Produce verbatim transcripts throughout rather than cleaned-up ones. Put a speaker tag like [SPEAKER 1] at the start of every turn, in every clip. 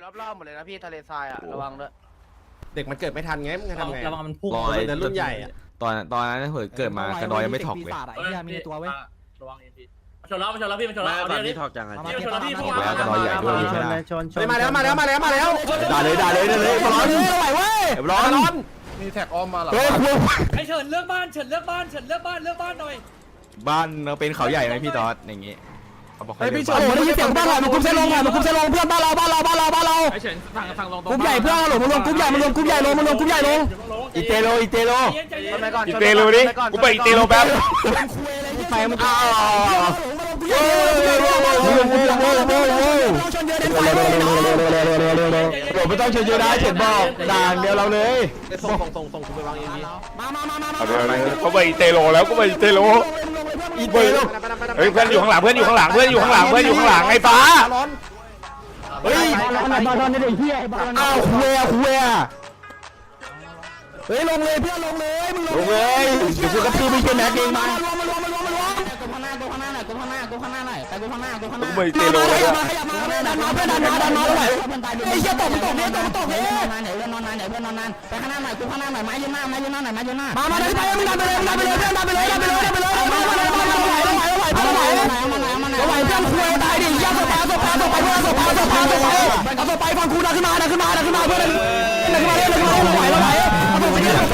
[SPEAKER 1] รอบๆหมดเลยนะพี่ทะเลทรายอ่ะระวังด้วย
[SPEAKER 2] เด็กมันเกิดไม่ทันไงมึงจะทำไง
[SPEAKER 3] ระวังมันพุ่ง
[SPEAKER 4] ลอย
[SPEAKER 2] แต่รุ่นใหญ่อะ
[SPEAKER 4] ตอนตอนนั้นเผื่อเกิดมากระดอยยังไม่ถอกเลย
[SPEAKER 3] ไอ้เหี้ยมีตัวเว้ย
[SPEAKER 5] ระวังเอ็นพีชนแล้วชนแล้วพี่มันชนแล้วเอา
[SPEAKER 6] ตอน
[SPEAKER 5] เดี๋ยว
[SPEAKER 6] นี้
[SPEAKER 5] นี้
[SPEAKER 6] ถอกจังอ่ะ
[SPEAKER 5] พี่มันชนแล้วพี่พุ่ง
[SPEAKER 4] แล้วกระดอยใหญ่ด้วยใช่ไหม
[SPEAKER 2] เฮ้ยมาแล้วมาแล้วมาแล้วมาแล้ว
[SPEAKER 4] ด่าเลยด่าเลยด่าเลยร้อนไหวเว้ยร้อนร้อน
[SPEAKER 2] มีแท็กออมมาหรอ
[SPEAKER 4] เฮ้ยคุย
[SPEAKER 5] ไอเฉินเลือกบ้านเฉินเลือกบ้านเฉินเลือกบ้านเลือกบ้านหน่อย
[SPEAKER 4] บ้านเราเป็นเขาใหญ่ไหมพี่ตอดอย่างงี้เขาบอกเขา
[SPEAKER 2] เฮ้ยพี่
[SPEAKER 4] เ
[SPEAKER 2] ชนได้ยินเสียงบ้านหน่อยมันคุ้มเส้นลงหน่อยมันคุ้มเส้นลงเพื่อนบ้านเราบ้านเราบ้านเราบ้านเรา
[SPEAKER 5] ไอเฉินฝั่งฝั่งลงตรง
[SPEAKER 2] กลุ่มใหญ่เพื่อนหลงมารวมกลุ่มใหญ่มารวมกลุ่มใหญ่ลงมารวมกลุ่มใหญ่ลง
[SPEAKER 4] อีเตโลอีเตโล
[SPEAKER 1] ชนไปก่อน
[SPEAKER 4] อีเตโลดิกูไปอีเตโลแป๊บ
[SPEAKER 2] ไปมันอ้าวชนเยอะเด่นไป
[SPEAKER 4] โดดไม่ต้องเชิญเยอะได้เฉินบอกด่างเดียวเราเลย
[SPEAKER 2] ส่งส่งส่งส่งคุณไปวางเองพี่มามามามา
[SPEAKER 4] เอาเดี๋ยวเขาไปอีเตโลแล้วก็ไปอีเตโลอีเตโลเฮ้ยเพื่อนอยู่ข้างหลังเพื่อนอยู่ข้างหลังเพื่อนอยู่ข้างหลังเพื่อนอยู่ข้างหลังไอ้ฟ้าเฮ้ย
[SPEAKER 2] บอลบอลนี่เด็กเหี้ยอ้าวคุยคุยเฮ้ยลงเลยเพื่อนลงเลยมึง
[SPEAKER 4] ลงเลยเดี๋ยวกูกระทืบไปเช่นแม็กเองมา
[SPEAKER 2] ลงมารวมมารวมมารวม
[SPEAKER 3] ตัวข้างหน้าตัวข้างหน้าหน่อยตัวข้างหน้าตัวข้างหน้าหน่อยไปตัวข้างหน้าตัวข้างหน้า
[SPEAKER 4] กูไปอีเตโล
[SPEAKER 2] ข
[SPEAKER 4] แล้ว
[SPEAKER 2] ยับมาขยับมาดันมาเพื่อนดันมาดันมาเลยไอ้เหี้ยตกมันตกเนี่ยตกมันตกเนี่ย
[SPEAKER 3] นอนนานไหนเพื่อนนอนนานไหนเพื่อนนอนนานไปข้างหน้าหน่อยตัวข้างหน้าหน่อยไม้ยืนหน้าไม้ยืนหน้าหน่อยไม้ยืนหน้า
[SPEAKER 2] มามาดันไปมึงดันไปเลยมึงดันไปเลยเพื่อนดันไปเลยดันไปเลยดันไปเลยมามามามาไหวไหวไหวไหวไหวไหวเพื่อนคุยตายดิเหี้ยตกไปตกไปตกไปเพื่อนตกไปตกไปตกไปเอาตกไปฟังกูดันขึ้นมาดันขึ้นมาดันขึ้นมาเพื่อนดันขึ้นมาเรื่อยๆไหวไหวเอาตกไปเรื่อยๆ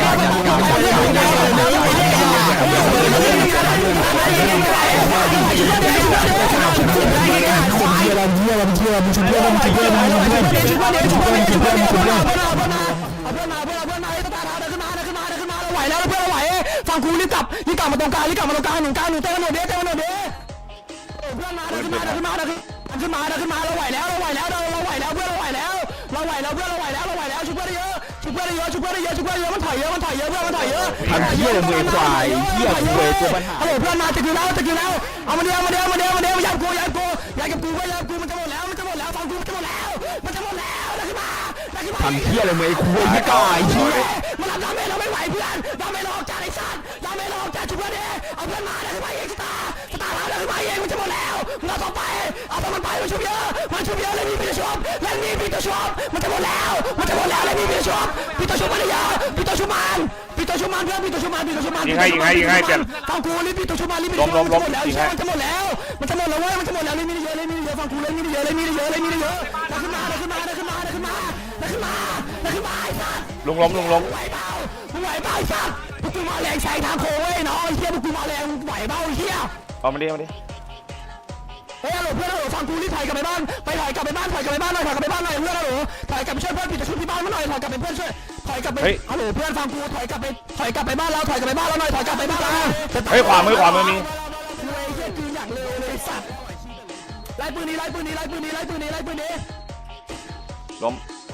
[SPEAKER 2] ควายเราเยี่ยมเยี่ยมชุบเยี่ยมชุบเยี่ยมชุบเยี่ยมชุบเยี่ยมชุบเยี่ยมชุบเยี่ยมชุบเยี่ยมเอาเพื่อนมาเพื่อนเพื่อนมาเพื่อนมาเดินขึ้นมาเดินขึ้นมาเดินขึ้นมาเราไหวแล้วเพื่อนเราไหวฟังกูรีบกลับรีบกลับมาตรงกลางรีบกลับมาตรงกลางหนึ่งกลางหนึ่งเต้นหน่อยเด้เต้นหน่อยเด้เพื่อนมาเดินขึ้นมาเดินขึ้นมาเดินขึ้นมาเดินขึ้นมาเราไหวแล้วเราไหวแล้วเราเราไหวแล้วเพื่อนเราไหวแล้วเราไหวแล้วเพื่อนเราไหวแล้วเราไหวแล้วชุบเพื่อนเยอะชุบเพื่อนเยอะชุบเพื่อนเยอะชุบเพื่อนเยอะมันถอยเยอะมันถอยเยอะเพื่อนมันถอยเยอะ
[SPEAKER 4] ทำเหี้ยมือควายเหี้ยคุยตัวปัญหา
[SPEAKER 2] ฮัลโหลเพื่อนมาจะกินแล้วจะกินแล้วเอามาเดียวมาเดียวมาเดียวมาเดียวยับกูยับกูยับกับกูยับกูมันจะหมดแล้วมันจะหมดแล้วฟังกูมันจะหมดแล้วมันจะหมดแล้วนะขึ้นมานะขึ้นมา
[SPEAKER 4] ทำเหี้ยอะไรมือคุยไม่กล้าไอ้เหี้ย
[SPEAKER 2] มันรับดาเมจเราไม่ไหวเพื่อนดาเมจเราออกจากไอ้สัตว์ดาเมจเราออกจากชุบเพื่อนดิเอาเพื่อนมานะขึ้นมาเองสตาร์สตาร์แล้วนะขึ้นมาเองมันจะหมดแล้วมึงเอาต่อไปเอาต่อมันไปมันชุบเยอะมันชุบเยอะเลยมีพี่ชุบแล้วมีพี่ตัวชุบมันจะหมดแล้วมันจะหมดแล้วเลยมีพี่ชุบพี่ตัวชุบมันเยอะพี่ตัวชุบมันพี่ตัวชุบมันเพื่อนพี่ตัวชุบมันพี่ตัวชุบมัน
[SPEAKER 4] ยิงให้ยิงให้ยิงให้เปลี่ยน
[SPEAKER 2] ฟังกูรีบพี่ตัวชุบมันรีบพี่
[SPEAKER 4] ล้มล้มล้ม
[SPEAKER 2] มันจะหมดแล้วมันจะหมดแล้วมันจะหมดแล้วเว้ยมันจะหมดแล้วเลยมีเยอะเลยมีเยอะฟังกูเลยมีเยอะเลยมีเยอะเลยมีเยอะดันขึ้นมาดันขึ้นมาดันขึ้นมาดันขึ้นมาดันขึ้นมาดันขึ้นมาไอ้สัส
[SPEAKER 4] ลุงล้มลุงล้ม
[SPEAKER 2] ไหวเปล่ามึงไหวเปล่าไอ้สัสพวกกูมาแรงแซงทางโค้งเว้ยน้องไอ้เหี้ยพวกกูมาแรงไหวเปล่าไอ้เหี้ย
[SPEAKER 4] เอามาดิเอามาดิ
[SPEAKER 2] เฮ้ยฮัลโหลเพื่อนฮัลโหลฟังกูรีบถอยกลับไปบ้านไปถอยกลับไปบ้านถอยกลับไปบ้านหน่อยถอยกลับไปบ้านหน่อยเพื่อนฮัลโหลถอยกลับไปช่วยเพื่อนปิดตะชุบที่บ้านมาหน่อยถอยกลับไปเพื่อนช่วยถอยกลับไปฮัลโหลเพื่อนฟังกูถอยกลับไปถอยกลับไปบ้านเราถอยกลับไปบ้านเราหน่อยถอยกลับไปบ้านเรา
[SPEAKER 4] เฮ้ยขวามือขวามือมี
[SPEAKER 2] เฮ้ยเหี้ยคืออยากเร็วเลยสัตว์ไล่ปืนนี้ไล่ปืนนี้ไล่ปืนนี้ไล่ปืนนี้ไล่ปืนนี้
[SPEAKER 4] ล้ม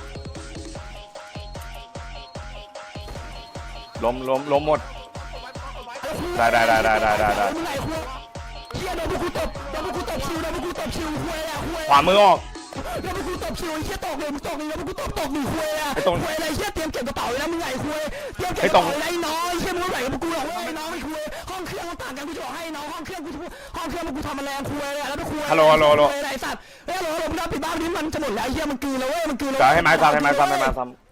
[SPEAKER 4] ล้มล้มล้มหมดได้ได้ได้ได้ได้ได้
[SPEAKER 2] มึงไหนคุยเหี้ยโดนพวกกูตบโดนพวกกูตบชิวโดนพวกกูตบชิวคุยอะคุย
[SPEAKER 4] ขวามือออก
[SPEAKER 2] โดนพวกกูตบชิวไอ้เหี้ยตกเลยมึงตกเลยแล้วพวกกูตบตกหนึ่งคุยอะ
[SPEAKER 4] ไอ้ตรง
[SPEAKER 2] คุยอะไรเหี้ยเตรียมเก็บกระเป๋าเลยนะมึงไหนคุยเตรียมเก็บกระเป๋าเลยน้อยเหี้ยมึงไหวกับพวกกูหรอกเว้ยน้องไม่คุยห้องเครื่องมันต่างกันกูจะบอกให้น้องห้องเครื่องกูห้องเครื่องมันกูทำมาแรงคุยเลยแล้วไปคุย
[SPEAKER 4] ฮัลโหลฮัลโหลฮัลโหล
[SPEAKER 2] ไอ้สัตว์เฮ้ยฮัลโหลฮัลโหลมึงปิดบ้านนี้มันจะหมดแล้วเหี้ยมันกืนแล้วเว้ยมันกืนแล้ว
[SPEAKER 4] จะให้ไม้ซ้ำให้ไม้ซ้ำให้ไม้ซ้ำ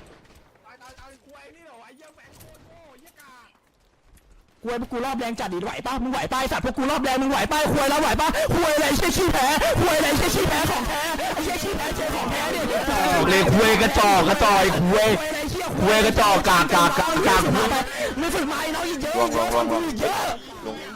[SPEAKER 2] คุยพวกกูรอบแรงจัดดิไหวป่ะมึงไหวป่ะไอ้สัตว์พวกกูรอบแรงมึงไหวป่ะคุยแล้วไหวป่ะคุยอะไรเชี่ยชี้แพ้คุยอะไรเชี่ยชี้แพ้ของแท้ไอ้เชี่ยชี้แพ้เชี่ยของแท้เนี่ย
[SPEAKER 4] เลยคุยกระจอกกระจอยคุย คุยกระจอกกากกากกากกาก
[SPEAKER 2] ไม่ฝึกมาไอ้น้องอีกเยอะ
[SPEAKER 4] ลงลงลงลง
[SPEAKER 2] เยอะ
[SPEAKER 4] ลง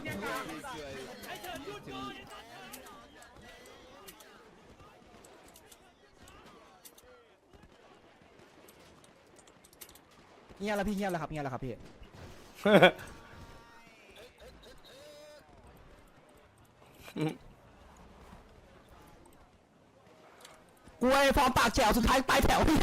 [SPEAKER 3] เงียบแล้วพี่เงียบแล้วครับเงียบแล้วครับพี่
[SPEAKER 2] กูไอ้ฟอร์มปากแจ๋วสุดท้ายปลายแถวพี่นะ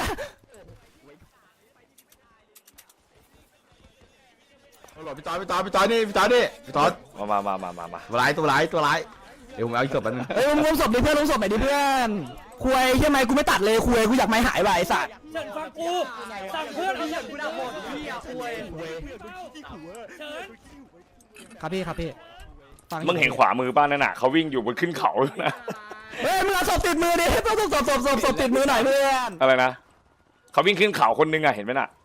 [SPEAKER 4] ฮัลโหลพี่ต๋อพี่ต๋อพี่ต๋อนี่พี่ต๋อนี่พี่ต๋อมามามามามาตัวร้ายตัวร้ายตัวร้ายเดี๋ยวผมเอาอีกศพนึง
[SPEAKER 2] เฮ้ยมึงลงศพดิเพื่อนลงศพหน่อยดิเพื่อนคุยใช่ไหมกูไม่ตัดเลยคุยกูอยากไม่หายว่ะไอ้สัตว์
[SPEAKER 5] เฉินฟังกูสั่งเพื่อนเอาเฉินกูด่าหมดพี่อ่ะคุยเฉิน
[SPEAKER 3] ครับพี่ครับพี่
[SPEAKER 4] มึงเห็นขวามือป้านั่นน่ะเขาวิ่งอยู่บนขึ้นเขานะ
[SPEAKER 2] เฮ้ยมึงเอาศพติดมือดิต้องศพศพศพศพศพติดมือหน่อยเพื่อน
[SPEAKER 4] อะไรนะเขาวิ่งขึ้นเขาคนนึงอะเห็นไหมน่ะ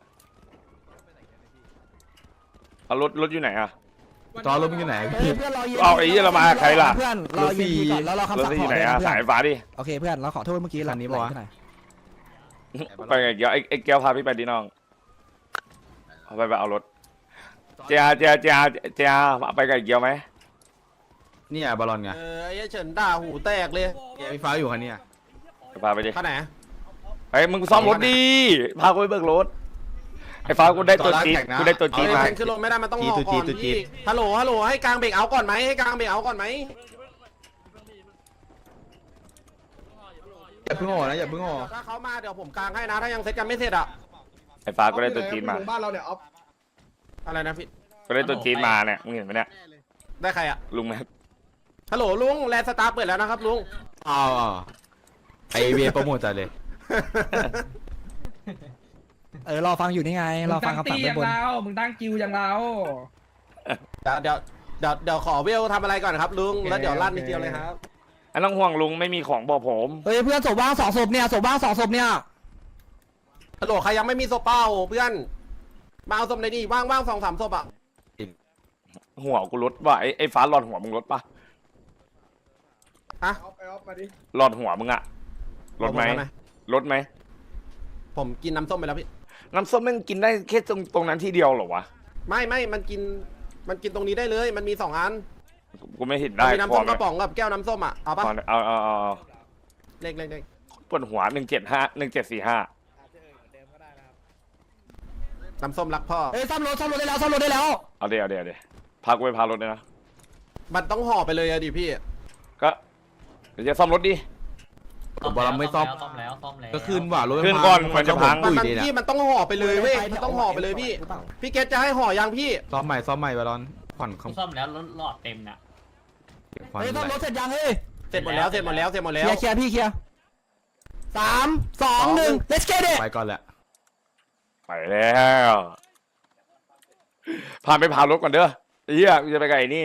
[SPEAKER 4] เอารถรถอยู่ไหนอะ
[SPEAKER 6] จอรถมึงอยู่ไหน
[SPEAKER 2] เฮ้ยเพื่อนรอยืน
[SPEAKER 4] เอาไอ้เหี้ยเรามาใครล่ะ
[SPEAKER 2] เพื่อนรอยืนทีก่อนแล้วเรา
[SPEAKER 4] ร
[SPEAKER 2] คำ
[SPEAKER 4] ถ
[SPEAKER 2] สั่ง
[SPEAKER 4] ที่
[SPEAKER 2] ข
[SPEAKER 4] อยู่
[SPEAKER 2] อ
[SPEAKER 4] ไหน
[SPEAKER 2] เลย
[SPEAKER 4] อะ
[SPEAKER 2] นะเพื่อ
[SPEAKER 4] สาย
[SPEAKER 2] น
[SPEAKER 4] ฟ้าดิ
[SPEAKER 2] โอเคเพื่อนเราขอโทษเมื่อกี้หลังนี้ปะวะ
[SPEAKER 4] ไปไงเกียวไอ้ไอ้เกียวพาพี่ไปดิน้องเอาไปไปเอารถเจียเจียเจียเจียไปกับไอ้เกียวไหม
[SPEAKER 6] เนี่ยบอลลอนไง
[SPEAKER 1] เออไอ้เฉินด่าหูแตกเลย
[SPEAKER 6] ไฟฟ้าอยู่คันนี้
[SPEAKER 4] พาไปดิ
[SPEAKER 1] ข้าไหน
[SPEAKER 4] ไอ้มึงซ่อมรถดิพากูไปเบิกรถไอ้ฟ้ากูได้ตัวจี๊ดกูได้ตัวจี๊ดมา
[SPEAKER 1] เซ็นขึ้นรถไม่ได้มันต้องห่อก่อนพี่ฮัลโหลฮัลโหลให้กลางเบรกเอาก่อนไหมให้กลางเบรกเอาก่อนไหม
[SPEAKER 6] อย่าเพิ่งห่อนะอย่าเพิ่งห่อ
[SPEAKER 1] ถ้าเขามาเดี๋ยวผมกลางให้นะถ้ายังเซ็ตกันไม่เสร็จอะ
[SPEAKER 4] ไอ้ฟ้ากูได้ตัวจี๊ดมา
[SPEAKER 7] บ้านเราเนี่ยออฟ
[SPEAKER 1] อะไรนะพี่
[SPEAKER 4] กูได้ตัวจี๊ดมาเนี่ยมึงเห็นไหมเนี่ย
[SPEAKER 1] ได้ใครอะ
[SPEAKER 4] ลุงแม็ก
[SPEAKER 1] ฮัลโหลลุงแลนสตาร์เปิดแล้วนะครับลุง
[SPEAKER 6] อ๋อไอเวียโปรโมทจัดเลย
[SPEAKER 2] เออรอฟังอยู่นี่ไงรอฟังคำสั่งด้านบน
[SPEAKER 5] มึงตั้งคิวอย่างเรา
[SPEAKER 1] เดี๋ยวเดี๋ยวเดี๋ยวขอเวลทำอะไรก่อนครับลุงแล้วเดี๋ยวลั่นนิดเดียวเลยครับ
[SPEAKER 4] ไอ้น้องห่วงลุงไม่มีของบอกผม
[SPEAKER 2] เฮ้ยเพื่อนศพว่างสองศพเนี่ยศพว่างสองศพเนี่ย
[SPEAKER 1] ฮัลโหลใครยังไม่มีศพเป้าเพื่อนมาเอาศพในนี่ว่างว่างสองสามศพอะ
[SPEAKER 4] หัวกูลดว่ะไอ้ไอ้ฟ้าหลอดหัวมึงลดปะ
[SPEAKER 1] ฮะ
[SPEAKER 7] ออฟไปออฟมาดิ
[SPEAKER 4] หลอดหัวมึงอะลดไหมลดไหม
[SPEAKER 1] ผมกินน้ำส้มไปแล้วพี่
[SPEAKER 4] น้ำส้มแม่งกินได้แค่ตรงตรงนั้นที่เดียวเหรอวะ
[SPEAKER 1] ไม่ไม่มันกินมันกินตรงนี้ได้เลยมันมีสองอัน
[SPEAKER 4] กูไม่เห็นได้
[SPEAKER 1] มีน้ำส้มกระป๋องกับแก้วน้ำส้มอะเอาปะ
[SPEAKER 4] พอเอาเอาเอาเอา
[SPEAKER 1] เล็กเล็กเล็ก
[SPEAKER 4] ปวดหัวหนึ่งเจ็ดห้าหนึ่งเจ็ดสี่ห้า
[SPEAKER 1] น้ำส้มรักพ่อ
[SPEAKER 2] เฮ้ยซ่อมรถซ่อมรถได้แล้วซ่อมรถได้แล้ว
[SPEAKER 4] เอาเดี๋ยวเดี๋ยวเดี๋ยวพากูไปพารถเลยนะ
[SPEAKER 1] มันต้องห่อไปเลยอะดิพี่
[SPEAKER 4] ก็เดี๋ยวจะซ่อมรถดิ
[SPEAKER 6] บอลลอนไม่ซ่อม
[SPEAKER 5] ซ่อมแล้วซ่อมแล้ว
[SPEAKER 6] ก็ขึ้นว่ะรถ
[SPEAKER 4] ขึ้นก่อนมันจะพัง
[SPEAKER 1] มันมัน
[SPEAKER 6] ดี
[SPEAKER 1] พี่
[SPEAKER 6] นะ
[SPEAKER 1] มันต้องห่อไปเลยเว้ยมันต้องห่อไปเลยพี่พี่เกตจะให้ห่อยังพี่
[SPEAKER 6] ซ่อมใหม่ซ่อมใหม่บอลลอนผ่อนค
[SPEAKER 5] ซ่อมแล้วรถหลอดเต็มน่ะ
[SPEAKER 6] ผ่อน
[SPEAKER 2] เฮ้ยซ่อมรถเสร็จยังเฮ้ย
[SPEAKER 1] เสร็จหมดแล้วเสร็จหมดแล้วเสร็จหมด
[SPEAKER 2] เค
[SPEAKER 1] แล้ว
[SPEAKER 2] ลียร์เคลียร์พี่เคลียร์สามสองหนึ่ง let's get it
[SPEAKER 6] ไปก่อนแหละ
[SPEAKER 4] ไปแล้วพาไปพารถก่อนเด้อไอ้เหี้ยกูจะไปไกลนี่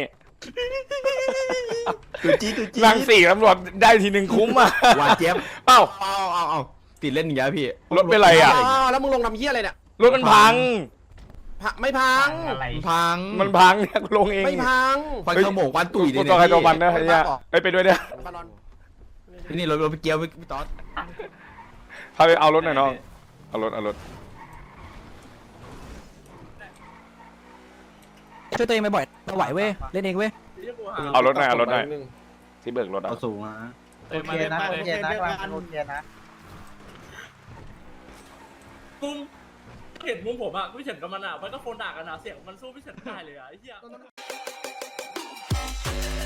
[SPEAKER 6] ตุจีตุจี
[SPEAKER 4] นั่งสี่ตำรวจได้ทีหนึ่งคุ้มอ่ะ
[SPEAKER 6] หวานเจี๊ยบ
[SPEAKER 4] เอ้า
[SPEAKER 6] เอาเอาเอาติดเล่นอย่างเงี้ยพี่
[SPEAKER 4] รถเป็นไรอ่ะ
[SPEAKER 1] อ๋อแล้วมึงลงทำเหี้ยอะไรเนี่ย
[SPEAKER 4] รถมันพัง
[SPEAKER 1] พะไม่พัง
[SPEAKER 5] อะไร
[SPEAKER 6] พัง
[SPEAKER 4] มันพังเนี่ยกูลงเอง
[SPEAKER 1] ไม่พัง
[SPEAKER 6] ควันขโมงควันตุ๋ย
[SPEAKER 4] กู
[SPEAKER 6] เลย
[SPEAKER 4] ตัวใครตัวมัน
[SPEAKER 6] เนี่ย
[SPEAKER 4] นะไอ้เหี้ยไปไปด้วยเนี่ย
[SPEAKER 1] บอลลอน
[SPEAKER 6] พี่นี่รถรถไปเกียวพี่ต๊อด
[SPEAKER 4] พาไปเอารถหน่อยน้องเอารถเอารถ
[SPEAKER 2] ช่วยตัวเองไปบ่อยเราไหวเว้ยเล่นเองเว้ย
[SPEAKER 4] เอารถหน่อยเอารถหน่อยที่เบิกรถอ่ะ
[SPEAKER 6] เอาสูงนะ
[SPEAKER 7] โอเคนะโอเคนะโอเคนะ
[SPEAKER 5] มุมเห็นมุมผมอ่ะพี่เฉินกับมันอ่ะมันก็โฟนด่ากันนะเสียงมันสู้พี่เฉินไม่ได้เลยอ่ะไอ้เหี้ย